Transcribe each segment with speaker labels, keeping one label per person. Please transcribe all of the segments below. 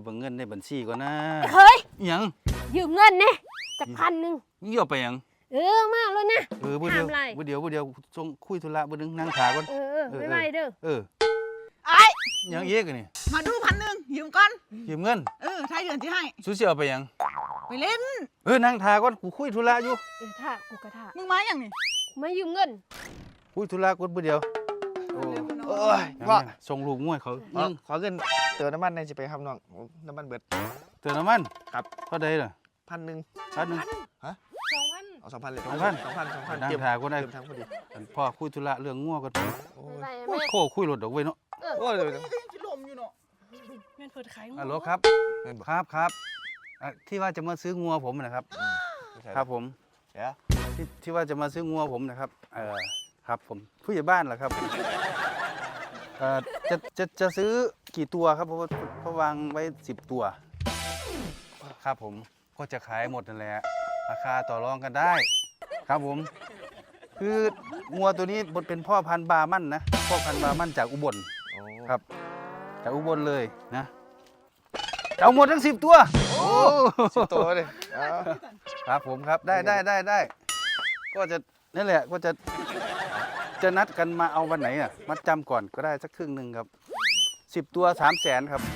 Speaker 1: เบิ่งเงินในบัญชีก่อนนะ
Speaker 2: เฮ้ย
Speaker 1: ยัง
Speaker 2: ยืมเงินเนี่ยจะ1,000
Speaker 1: นี่เอาไปยัง
Speaker 2: มาแล้วนะ
Speaker 1: บ่เดียวส่งคุยธุระบ่นึงนั่งขาก่อน
Speaker 2: ไม่ไหวเด้อ
Speaker 3: ไอ้
Speaker 1: ยังเอกนี่
Speaker 3: มาดู1,000ยืมก่อน
Speaker 1: ยืมเงิน
Speaker 3: ท้ายเดือนที่ให้
Speaker 1: สุสิเอาไปยัง
Speaker 3: ไปเล่น
Speaker 1: นั่งทาก่อนกูคุยธุระอยู่
Speaker 2: ท่ากูกระท่า
Speaker 3: มึงมาอย่างนี่
Speaker 2: มายืมเงิน
Speaker 1: คุยธุระก่อนบ่เดียว
Speaker 4: ว่า
Speaker 1: ส่งลูกมวยเขา
Speaker 4: ขอเงินเติมน้ำมันในสิไปครับน้องน้ำมันเบิด
Speaker 1: เติมน้ำมัน
Speaker 4: ครับ
Speaker 1: เท่าใดล่ะ
Speaker 4: 1,000ฮะเอา2,000เลย2,000
Speaker 1: นั่งทาก่อนได้
Speaker 4: ทั้งพอดี
Speaker 1: พ่อคุยธุระเรื่องงัวก่อนโคคุยรถดอกเว้ยเนาะ
Speaker 4: โอ้ย
Speaker 3: สิลมอยู่เนาะ
Speaker 2: แม่นเปิดขายงัว
Speaker 1: ฮัลโหลครับที่ว่าจะมาซื้องัวผมนะครับครับผมที่ว่าจะมาซื้องัวผมนะครับครับผมผู้ใหญ่บ้านเหรอครับจะซื้อกี่ตัวครับเพราะวางไว้10 ตัวครับผมก็จะขายหมดนั่นแหละราคาต่อรองกันได้ครับผมคืองัวตัวนี้เป็นพ่อพันธุ์บาร์มั่นนะพ่อพันธุ์บาร์มั่นจากอุบลครับจากอุบลเลยนะเอาหมดทั้ง10 ตัว
Speaker 4: 10 ตัวเลย
Speaker 1: ครับผมครับได้ก็จะนั่นแหละก็จะนัดกันมาเอาวันไหนอ่ะมัดจำก่อนก็ได้สักครึ่งหนึ่งครับ10 ตัว300,000ครับ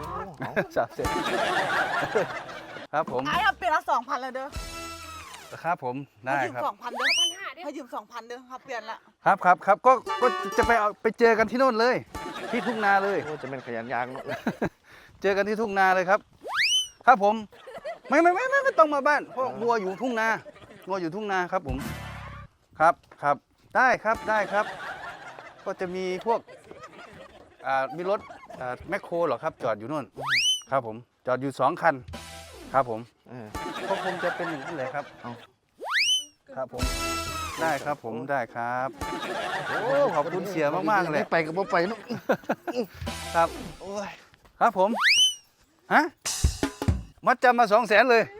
Speaker 1: 300,000ครับผม
Speaker 3: ไอ้เอาเปลี่ยนละ2,000เลยเด้อ
Speaker 1: ครับผมได้ครับ
Speaker 3: 2,000เด้อให้ยืม2,000เด้อครับเปลี่ยนละ
Speaker 1: ครับก็จะไปเจอกันที่โน่นเลยที่ทุ่งนาเลย
Speaker 4: จะเป็นขยันยางเนาะ
Speaker 1: เจอกันที่ทุ่งนาเลยครับครับผมไม่ต้องมาบ้านเพราะวัวอยู่ทุ่งนาครับผมครับได้ครับก็จะมีพวกมีรถแมคโครเหรอครับจอดอยู่นู่นครับผมจอดอยู่2 คันครับผมก็คงจะเป็นอย่างนั้นเลยครับครับผมได้ครับผมได้ครับโอ้ขอบคุณเสียมากๆเลย
Speaker 4: ไปกับบ่ไปเนาะ
Speaker 1: ครับครับผมฮะมัดจำมา200,000เลย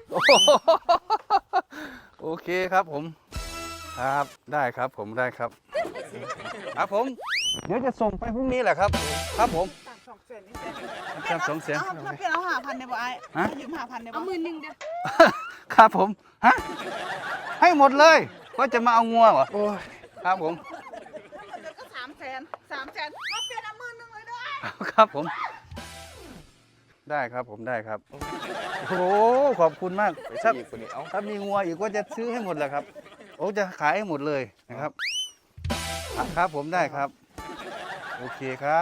Speaker 1: โอเคครับผมครับได้ครับผมได้ครับครับผมเดี๋ยวจะส่งไปพรุ่งนี้แหละครับครับผม200,000
Speaker 3: 200,000เปลี่ยนเอา5,000ได้บ่ไอ้ยืม5,000ได้บ่
Speaker 2: เอา10,000เด้อ
Speaker 1: ครับผมฮะให้หมดเลยก็จะมาเอางัวเหรอครับผม
Speaker 3: ก็300,000เอาเปลี่ยนเอา10,000เลยเด้อ
Speaker 1: ครับผมได้ครับผมได้ครับโอ้ขอบคุณมากถ้ามีงัวอีกก็จะซื้อให้หมดแหละครับโอ้จะขายให้หมดเลยนะครับครับผมได้ครับโอเคครับ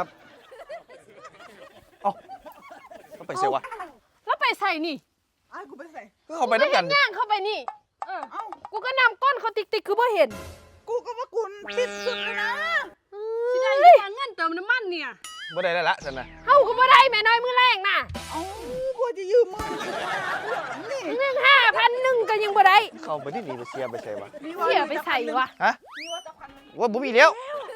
Speaker 4: ก็ไปเสียวะ
Speaker 2: แล้วไปใส่นี่
Speaker 3: ไอ้กูไปใส่
Speaker 4: ก็เข้าไปน้ำกัน
Speaker 2: ย่างเข้าไปนี่กูก็นำก้นเขาติ๊กคือบ่เห็น
Speaker 3: กูก็ว่ากูปิดสุดเลยนะ
Speaker 2: สิได้เงินเติมน้ำมันเนี่ย
Speaker 4: บ่ได้แล้วฉันนะ
Speaker 2: เฮาก็บ่ได้แม่น้อยมือแรงน่ะ
Speaker 3: กูจะยืมมึง
Speaker 2: นี่1,500ก็ยังบ่ได้
Speaker 4: เข้าไปที่นี่ไปเสียไปใส่วะ
Speaker 2: เสียไปใส่วะ
Speaker 4: ฮะว่าบ่มีแล้ว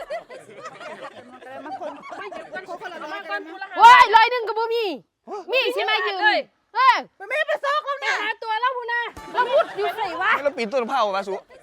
Speaker 2: โอ้ย100ก็บ่มีสิมายืม
Speaker 3: ไปไม่ไปซอกแล้วเนี่ย
Speaker 2: หาตัวแล้วพุ่นน่ะแล้วมุดอยู่ไสวะ
Speaker 4: แล้วปีนต้นมะพร้าวมาสุ